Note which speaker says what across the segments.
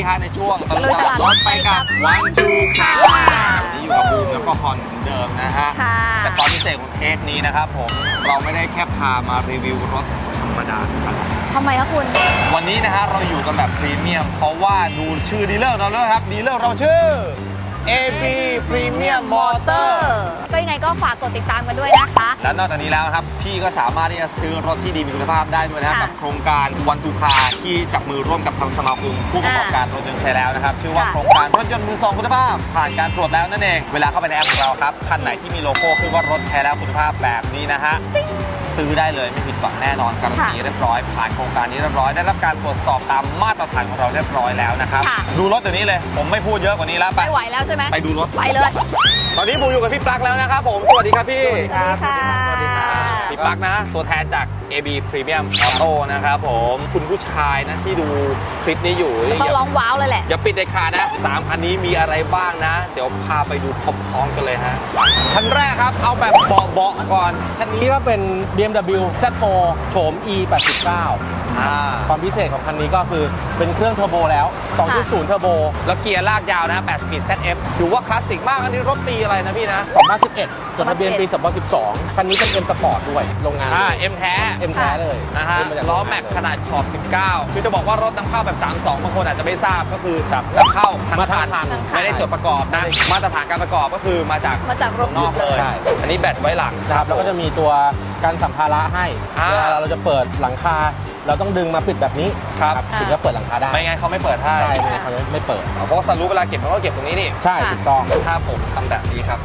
Speaker 1: ฮะในช่วงตลาดรถไปกับวันจูค่ะวันนี้อยู่กับบูมแล้วก็ฮอนเหมือนเดิมนะฮะแต่ความพิเศษของเทปนี้นะครับผมเราไม่ได้แค่พามารีวิวรถธรรมดา
Speaker 2: ทำไมคะคุณ
Speaker 1: วันนี้นะฮะเราอยู่กันแบบพรีเมียมเพราะว่าดูชื่อดีลเลอร์เราด้วยครับดีลเลอร์เราชื่อ AB Premium Motor
Speaker 2: ก็ยังไงก็ฝากกดติดตามกันด้วยนะคะ
Speaker 1: และนอกจากนี้แล้วครับพี่ก็สามารถที่จะซื้อรถที่ดีมีคุณภาพได้ด้วยนะครับกับโครงการวันทูคาที่จับมือร่วมกับทางสมาคมผู้ประกอบการรถยนต์ใช้แล้วนะครับชื่อว่าโครงการรถยนต์มือสองคุณภาพผ่านการตรวจแล้วนั่นเองเวลาเข้าไปในแอปของเราครับคันไหนที่มีโลโก้ขึ้นว่ารถใช้แล้วคุณภาพแบบนี้นะฮะซื้อได้เลยไม่ผิดหวังแน่นอนการันตีเรียบร้อยผ่านโครงการนี้เรียบร้อยได้รับการตรวจสอบตามมาตรฐานของเราเรียบร้อยแล้วนะครับดูรถตัวนี้เลยผมไม่พูดเยอะกว่านี้แล้ว
Speaker 2: ไม่ไหวแล้วใช่ไหม
Speaker 1: ไปดูรถ
Speaker 2: ไปเลย
Speaker 1: ตอนนี้บูอยู่กับพี่ปลั๊กแล้วนะครับผมสวัสดีครับพี่
Speaker 2: สวัสดีค่ะ
Speaker 1: พี่ปลั๊กนะตัวแทนจาก AB Premium Auto นะครับผมคุณผู้ชายนะที่ดูคลิปนี้อยู่
Speaker 2: ต้องร้องว้าวเลยแหละ
Speaker 1: อย่าปิดเด็ดขาดนะ3คันนี้มีอะไรบ้างนะเดี๋ยวพาไปดูพร้อมๆกันเลยฮะคันแรกครับเอาแบบเบาๆก่อน
Speaker 3: คันนี้ก็เป็น BMW Z4 โฉม E89 ความพิเศษของคันนี้ก็คือเป็นเครื่องเทอร์โบแล้ว 2.0 เทอร์โบ
Speaker 1: แล้วเกียร์ลากยาวนะ8 Speed ZF ถือว่าคลาสสิกมากอันนี้รถปีอะไรนะพี่นะ
Speaker 3: 2011จดทะเบียนปี2012คันนี้เป็น M Sport ด้วยโรงงาน
Speaker 1: M แท้
Speaker 3: M แท้เลย
Speaker 1: นะฮะล้อแม็กขนาดขอบ19คือจะบอกว่ารถนำเข้าแบบ32บางคนอาจจะไม่ทราบก็คือนำเข้าทั้งคันไม่ได้จดประกอบนะมาตรฐานการประกอบก็คือมาจาก
Speaker 2: โรง
Speaker 1: นอกเลยอันนี้แบตไว้หลัง
Speaker 3: ครับแล้วก็จะมีตัวกันสัมภาระให้เวลาเราจะเปิดหลังคาเราต้องดึงมาปิดแบบนี้ถึงจะเปิดหลังคาได้
Speaker 1: ไม่งั้นเขาไม่เปิดให้
Speaker 3: ใช่เขาไม่เปิด
Speaker 1: เพราะสรุปเวลาเก็บเขาก็เก็บตรงนี้นี่
Speaker 3: ใช่ถูกต้อง
Speaker 1: ถ้าผมทำแบบนี้ครับ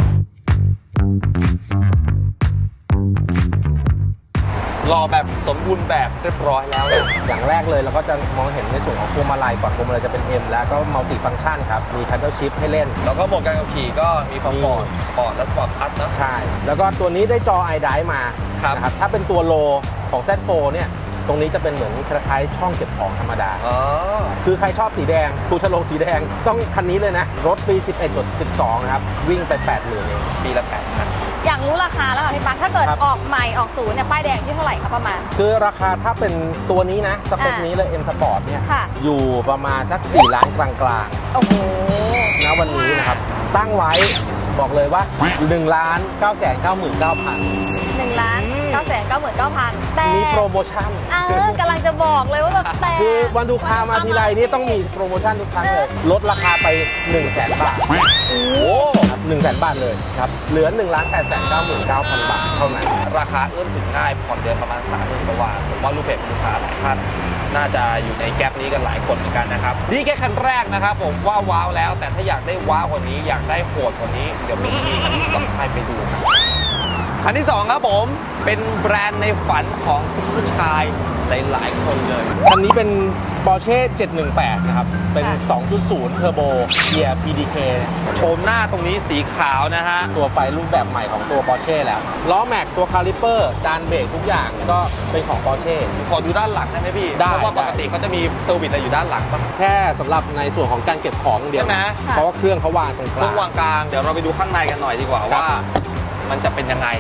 Speaker 1: รอแบบสมบูรณ์แบบเรียบร้อยแล้ว
Speaker 3: อย่างแรกเลยเราก็จะมองเห็นในส่วนของพวงมาลัยก่อนพวงมาลัยจะเป็น M แล้วก็มัลติฟังก์ชันครับมี Paddle Shift ให้เล่น
Speaker 1: แล้วก็โหมดการขับขี่ก็มีคอมฟอร์ตสปอร์ตและสปอร์ตพัทนะ
Speaker 3: ใช่แล้วก็ตัวนี้ได้จอ iDrive มานะครับถ้าเป็นตัวโลของ Z4 เนี่ยตรงนี้จะเป็นเหมือนคล้ายๆช่องเก็บของธรรมดาคือใครชอบสีแดงถูกฉลกสีแดงต้องคันนี้เลยนะรถปี 11.12 นะครับวิ่งไป 80,000 เอง
Speaker 1: ปีละ8,000
Speaker 2: อยากรู้ราคาแล้วค่ะพี่ปั๊กถ้าเกิดออกใหม่ออกศูนย์เนี่ยป้ายแดงที่เท่าไหร่ครับประมาณ
Speaker 3: คือราคาถ้าเป็นตัวนี้นะสเปคนี้เลย M Sport เนี่ยอยู่ประมาณสัก4 ล้านกลาง
Speaker 2: ๆโอ้โห
Speaker 3: ณวันนี้นะครับตั้งไว้บอกเลยว่า 1,999,000
Speaker 2: 1,999,000แต่
Speaker 3: มีโปรโมชั่น
Speaker 2: กำลังจะบอกเลยว่าแบบแต่
Speaker 3: คือวันทูคามาทีไรนี่ต้องมีโปรโมชั่นทุกครั้งเลยลดราคาไป 100,000 บาท
Speaker 1: โอ้
Speaker 3: 100,000 บาทเลยครับเหลือ 1,899,000 บาทเท่านั้น
Speaker 1: ราคาเอื้อมถึงง่ายผ่อนเดือนประมาณ 30,000 กว่าบาทผมว่าลูกเพจลูกค้าหลายท่านน่าจะอยู่ในแก๊ปนี้กันหลายคนเหมือนกันนะครับนี่แค่คันแรกนะครับผมว่าว้าวแล้วแต่ถ้าอยากได้ว้าวกว่านี้อยากได้โหดกว่านี้เดี๋ยวมีคันที่2ให้ไปดูครับคันที่2ครับผมเป็นแบรนด์ในฝันของคุณผู้ชายหลายคนเลย
Speaker 3: คันนี้เป็น Porsche 718 นะครับเป็น 2.0 เทอร์โบเกียร์ PDK
Speaker 1: โฉมหน้าตรงนี้สีขาวนะฮะ
Speaker 3: ตัวไฟรูปแบบใหม่ของตัว Porsche แล้วล้อแม็กตัวคาลิเปอร์จานเบรกทุกอย่างก็เป็นของ Porsche
Speaker 1: ขอดูด้านหลังได้ไหมพี่เพราะว่าปกติเขาจะมีเซอร์วิสอะไรอยู่ด้านหลัง
Speaker 3: แค่สำหรับในส่วนของการเก็บของเดียว
Speaker 1: ใช่ไหม
Speaker 3: เพราะว่าเครื่องเขาวางตรงกลาง
Speaker 1: เครื่องวางกลางเดี๋ยวเราไปดูข้างในกันหน่อยดีกว่าว่ามันจะเป็นยังไง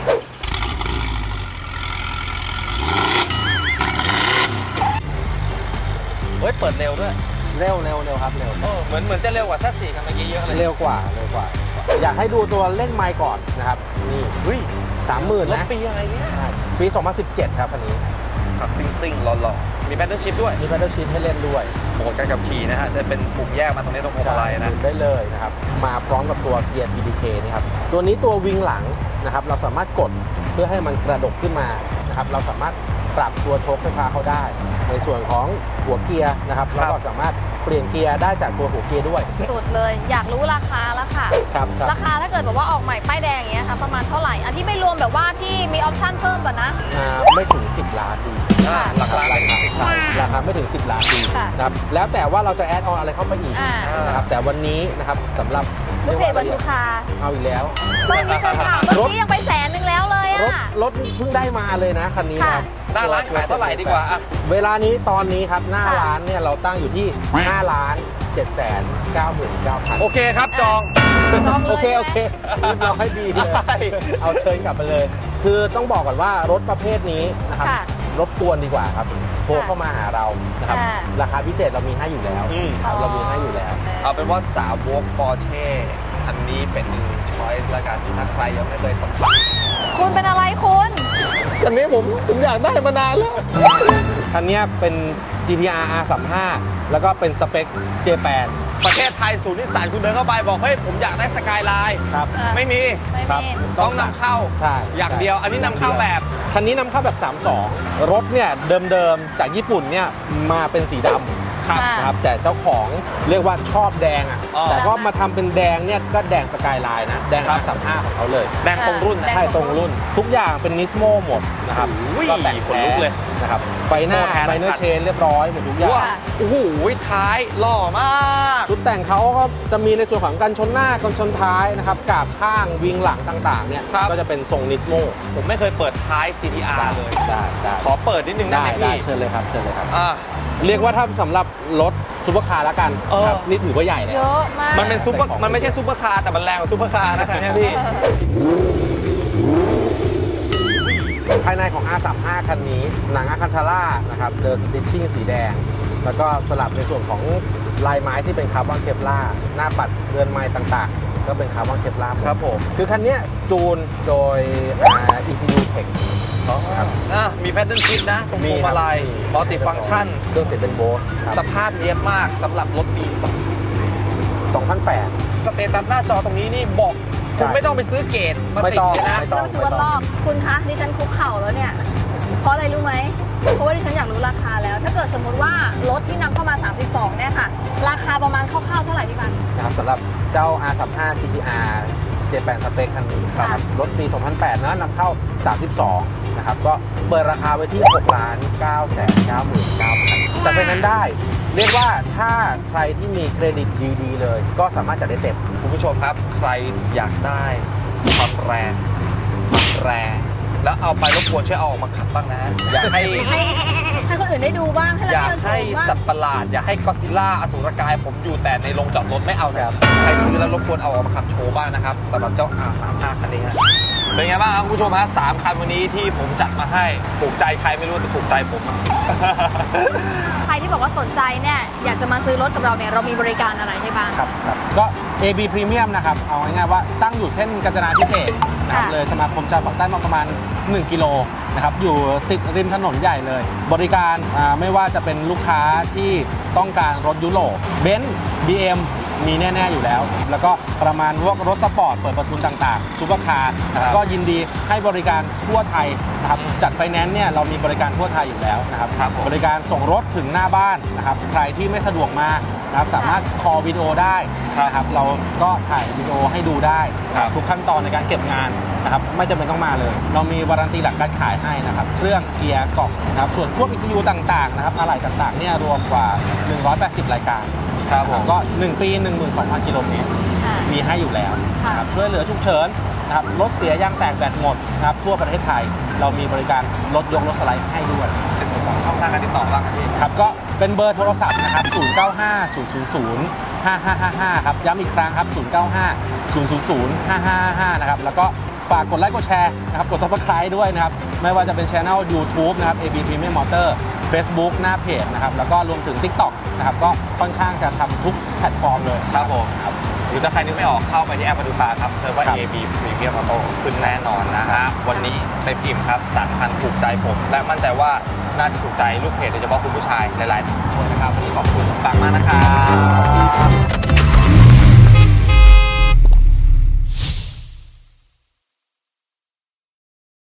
Speaker 1: เฮ้ยเปิดเร็วด้วย
Speaker 3: เร็วครับเร็ว
Speaker 1: เหมือนจะเร็วกว่าซัสซี่กันเมื่อกี้เยอะเลย
Speaker 3: เร็วกว่าอยากให้ดูตัวเร่งไมล์ก่อนนะครับนี่
Speaker 1: เฮ้ย
Speaker 3: 30,000 นะ
Speaker 1: ปีอะไรเนี่ย
Speaker 3: ปี 2017 ครับคันนี้
Speaker 1: ขับซิ่งหล่อๆมีแพดเดิลชิพด้วย
Speaker 3: มีแพดเดิลชิพให้เล่นด้วย
Speaker 1: โหมดการขับขี่นะฮะจะเป็นปุ่มแยกมาตรงนี้ตรงพวงมาลัยนะ
Speaker 3: ได้เลยนะครับมาพร้อมกับตัวเกียร์ PDK นี่ครับตัวนี้ตัววิงหลังนะครับเราสามารถกดเพื่อให้มันกระดกขึ้นมานะครับเราสามารถปรับตัวโชคไฟฟ้าเขาได้ในส่วนของหัวเกียร์นะครับเราก็สามารถเปลี่ยนเกียร์ได้จากตัวหัวเกียร์ด้วย
Speaker 2: สุดเลยอยากรู้ราคาแล้วค่ะ
Speaker 3: ครับ
Speaker 2: ราคาถ้าเกิดแบบว่าออกใหม่ป้ายแดงอย่างเงี้ยค่ะประมาณเท่าไหร่อันที่ไม่รวมแบบว่าที่มีออปชั่นเพิ่มก่อนนะ
Speaker 3: ไม่ถึง10 ล้านดี
Speaker 1: ราคา
Speaker 3: ไม่ถึง10 ล้านดีนะครับแล้วแต่ว่าเราจะแอดออนอะไรเข้ามาอีกนะครับแต่วันนี้นะครับสำหรับ
Speaker 2: ลูกเพจวันทูคา
Speaker 3: เอาอีกแล้ว
Speaker 2: ตอนนี้เคยถามเมื่อกี้ยังไป100,000แล้วเลย
Speaker 3: รถเพิ่งได้มาเลยนะคันนี้ครับ
Speaker 1: หน้าร้านขายเท่าไหร่ดีกว่า
Speaker 3: เวลานี้ตอนนี้ครับหน้าร้านเนี่ยเราตั้งอยู่ที่5,799,000โ
Speaker 1: อเคครับจอง
Speaker 3: โอเคเราให้ดีเลยเอาเชิญกลับไปเลยคือต้องบอกก่อนว่ารถประเภทนี้นะครับรบกวนดีกว่าครับโทรเข้ามาหาเรานะครับ
Speaker 2: ค่ะ
Speaker 3: ราคาพิเศษเรามีให้อยู่แล้ว ครับเรามีให้อยู่แล้ว
Speaker 1: เอาเป็นว่าสาวกปอร์เช่คันนี้เป็นหนึ่งช้อยส์ละกันถ้าใครยังไม่เคยสัมผัส
Speaker 2: คุณเป็นอะไรคุณ
Speaker 1: คันนี้ผมอยากได้มานานแล้ว
Speaker 3: คันนี้เป็น GTR R35 แล้วก็เป็นสเปค J8
Speaker 1: ประเทศไทยศูนย์นิสสันคุณเดินเข้าไปบอกเฮ้ยผมอยากได้สกายไลน์
Speaker 3: ครับ
Speaker 1: ไม่มี
Speaker 2: ไม่
Speaker 3: ครับ
Speaker 2: มี
Speaker 1: ต้องนำเข้า
Speaker 3: ใช่
Speaker 1: อย่างเดียว อันนี้นำเข้าแบบ
Speaker 3: คันนี้นำเข้าแบบ 32 รถเนี่ยเดิมๆจากญี่ปุ่นเนี่ยมาเป็นสีดำ
Speaker 2: ค่ะ
Speaker 3: นะครับแต่เจ้าของเรียกว่าชอบแดงอ่ะ
Speaker 1: อ๋อ
Speaker 3: แต่ก็มาทำเป็นแดงเนี่ยก็แดงสกายไลน์นะ แดง R35 ของเขาเลย
Speaker 1: แดงตรงรุ่นนะ
Speaker 2: แดง
Speaker 3: ใช่ตรงรุ่น ทุกอย่างเป็นนิสโมหมดนะครับ
Speaker 1: อุ้ย
Speaker 3: ก็แต่ง
Speaker 1: ขนลุกเลย
Speaker 3: นะครับไฟหน้า
Speaker 1: Nismo แท้
Speaker 3: ไฟเนอ
Speaker 1: นะครั
Speaker 3: ร์
Speaker 1: บ
Speaker 3: เชนเรียบร้อยหมดทุกอย่าง
Speaker 1: ว้าโอ้โหท้ายหล่อมาก
Speaker 3: ชุดแต่งเขาก็จะมีในส่วนของกันชนหน้ากันชนท้ายนะครับกาบข้างวิงหลังต่างๆเนี่ยก็จะเป็นทรงนิสโม
Speaker 1: ผมไม่เคยเปิดท้าย GTR เลย
Speaker 3: ได้
Speaker 1: ขอเปิดนิดนึงได้
Speaker 3: ได้
Speaker 1: ไหม
Speaker 3: ได้
Speaker 1: พี่
Speaker 3: เชิญเลยครับเชิญเลยครับ
Speaker 1: อ่า
Speaker 3: เรียกว่าถ้าสำหรับรถซุปเปอร์คาร์แล้วกัน
Speaker 1: เออ
Speaker 3: ครับนี่ถือว่าใหญ่เลย
Speaker 2: เยอะมาก
Speaker 1: มันเป็นซุปเปอร์มันไม่ใช่ซุปเปอร์คาร์แต่มันแรงกว่าซุปเปอร์คาร์นะครับเนี่ยพี่
Speaker 3: ภายในของ R35 คันนี้หนังอาคันทาร่านะครับเดินสติชชิ่งสีแดง แล้วก็สลับในส่วนของลายไม้ที่เป็นคาร์บอนเคปลาร์หน้าปัดเรือนไม้ต่างๆ ก็เป็นคาร์บอนเคปลาร์หมด
Speaker 1: ครับผม
Speaker 3: คือคันเนี้ยจูนโดย ECU Tech ครับ
Speaker 1: มีแพทเทิร์นชิปนะตรงพวงมาลัยมัลติฟังก์ชัน
Speaker 3: เครื่องเสียงเป็นโบสครับ
Speaker 1: สภาพเนียบมากสำหรับรถปี
Speaker 3: 2008
Speaker 1: สเตตัสหน้าจอตรงนี้นี่บอกคุณไม่ต้องไปซื้อเกตมาติดเลยนะ
Speaker 3: ไม่
Speaker 2: ต้องซื้อวันรอบคุณคะดิฉันคุกเข่าแล้วเนี่ย เพราะอะไรรู้ไหม เพราะว่าดิฉันอยากรู้ราคาแล้ว ถ้าเกิดสมมติว่ารถที่นำเข้ามา 32 เนี่ยค่ะ ราคาประมาณคร่าวๆเท่าไหร่พี่ปัน
Speaker 3: นะครับสำหรับเจ้า R35 GTR 78 สเปคคันนี้ค
Speaker 2: ค่ะ
Speaker 3: รับรถปี 2008 นะนำเข้า 32 นะครับ ก็เปิดราคาไว้ที่ 6,999,000 แต่เป็นนั้นได้ เรียกว่าถ้าใครที่มีเครดิตดีๆเลย ก็สามารถจัดได้เต็ม
Speaker 1: คุณผู้ชมครับ ใครอยากได้ความแรงมันแรง แล้วเอาไปรบกวนช่วยเอาออกมาขับบ้างนะ อยากให้
Speaker 2: ให้คนอื่นได้ดูบ้าง ให้
Speaker 1: อยาก
Speaker 2: เราได้ช
Speaker 1: ให้
Speaker 2: มบ้าง
Speaker 1: สัตว์ประหลาด อยากให้ก็อดซิลล่าอสูรกายผมอยู่แต่ในโรงจอดรถไม่เอานะครับใครซื้อแล้วรบกวนเอาออกมาขับโชว์บ้างนะครับสำหรับเจ้า R35 คันนี้ฮะเป็นไงบ้างครับคุณผู้ชมฮะ3คันวันนี้ที่ผมจัดมาให้ถูกใจใครไม่รู้แต่ถูกใจผมอะ
Speaker 2: ใครที่บอกว่าสนใจเนี่ย อยากจะมาซื้อรถกับเราเนี่ย เรามีบริการอะไรให้บ้าง
Speaker 3: ครับก็ AB Premium นะครับ เอาง่ายๆว่าตั้งอยู่เส้นกาญจนาพิเศษกนะครับ
Speaker 2: ค่ะ
Speaker 3: เลยสมาคมจราปักใต้มาประมาณ 1 กิโลนะครับ อยู่ติดริมถนนใหญ่เลย บริการไม่ว่าจะเป็นลูกค้าที่ต้องการรถยุโรปเบนซ์ BM มีแน่ๆอยู่แล้ว แล้วก็ประมาณพวกรถสปอร์ตเปิดประทุนต่างๆซูเปอร์คาร์นะครับก็ยินดีให้บริการทั่วไทยนะครับจัดไฟแนนซ์เนี่ยเรามีบริการทั่วไทยอยู่แล้วนะครับ
Speaker 1: ครับผม
Speaker 3: บริการส่งรถถึงหน้าบ้านนะครับใครที่ไม่สะดวกมานะครับสามารถคอลวิดีโอได้นะครับเราก็ถ่ายวิดีโอให้ดูได้นะครับทุกขั้นตอนในการเก็บงานนะครับไม่จำเป็นต้องมาเลย เรามีวารันตีหลังการขายให้นะครับเครื่องเกียร์กล่องนะครับส่วนพวก ECU ต่างๆนะครับอะไหล่ต่างๆเนี่ยรวมกว่า 180 รายการ
Speaker 1: ครับผม
Speaker 3: ก็ 1 ปี 12,000 กิโลเมตร
Speaker 2: ค่ะ
Speaker 3: มีให้อยู่แล้ว
Speaker 2: ค่ะ
Speaker 3: นะครับช่วยเหลือฉุกเฉินนะครับรถเสียยางแตกแบตหมดนะครับทั่วประเทศไทย เรามีบริการรถยกรถสไลด์ให้ด้วย
Speaker 1: เป็นส่วนของช่องทางการติดต่อบ้างครับพี่
Speaker 3: ครับก็เป็นเบอร์โทรศัพท์นะครับ 0950005555 ครับ ย้ำอีกครั้งครับ 0950005555 นะครับ แล้วก็ฝากกดไลค์กดแชร์นะครับ กด Subscribe ด้วยนะครับ ไม่ว่าจะเป็น Channel YouTube นะครับ AB Premium Motor Facebook หน้าเพจนะครับ แล้วก็รวมถึง TikTok นะครับ ก็ค่อนข้างจะทำทุกแพลตฟอร์มเลย
Speaker 1: ครับผมหรือถ้าใครนึกไม่ออกเข้าไปที่แอปมาดูตาครับเซิร์ฟว่า
Speaker 3: ครับ
Speaker 1: AB Premium Auto ขึ้นแน่นอนนะฮะวันนี้เต็มอิ่มครับ3คันถูกใจผม และมั่นใจว่าน่าจะถูกใจลูกเพจโดยเฉพาะคุณผู้ชายหลายๆคนนะครับวันนี้